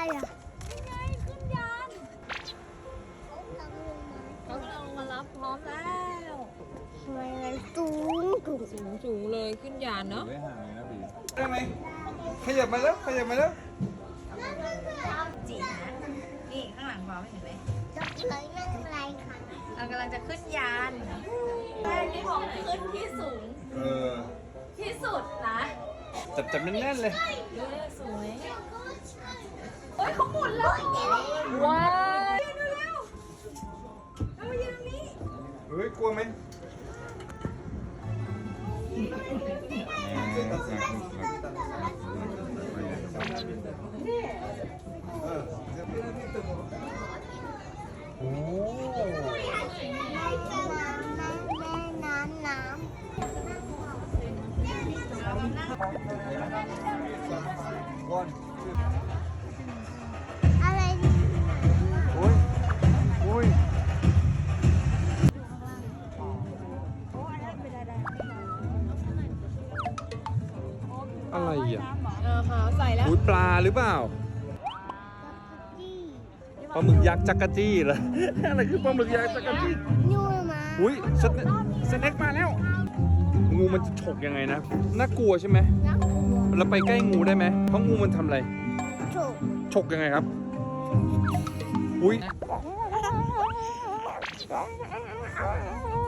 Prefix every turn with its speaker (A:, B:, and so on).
A: อ่ะ
B: ยังไงขึ้นยานเขากำลังลงมารับพร้อมแล้ว
A: ทำไมมันสูง
B: สูงเลยขึ้นยานเนาะ
C: ไม่ห่างเลยนะพี่ได้ไหมขยับมาแล้วขยับมาแล้ว
B: จีนะนี่ข้างหลังพร้อมเห็นไหม
A: จะเลยนั่งไรค่ะ
B: เรากำลังจะขึ้นยานแรกที่ของขึ้นที่สูง
C: เออ
B: ที่สุดนะ
C: จับแน่นๆเลย
B: ดูเลยสวยโอ้ยเขาหมุนแล้วว้าวดูแล้วเรามายืนตรงนี้
C: เฮ้ยกลัวไหมโอ้
A: น้ำ
C: ก้อน
A: อะไร
C: โอ้ยโอ้ยอะไรอ่ะ
B: ใส่แล้ว
C: อุ้ยปลาหรือเปล่าปลาหมึกยักษ์จักรจี้เหรอ อะไรคือปลาหมึกยักษ์จักรจี้
A: นู่นมา
C: อุ้ยสเน็กมาแล้ว งูมันจะฉกยังไงนะ น่ากลัวใช่ไหม
A: นักกลัว
C: เราไปใกล้งูได้ไหมเพราะงูมันทำอะไร
A: ถูก
C: ฉกยังไงครับ อุ้ย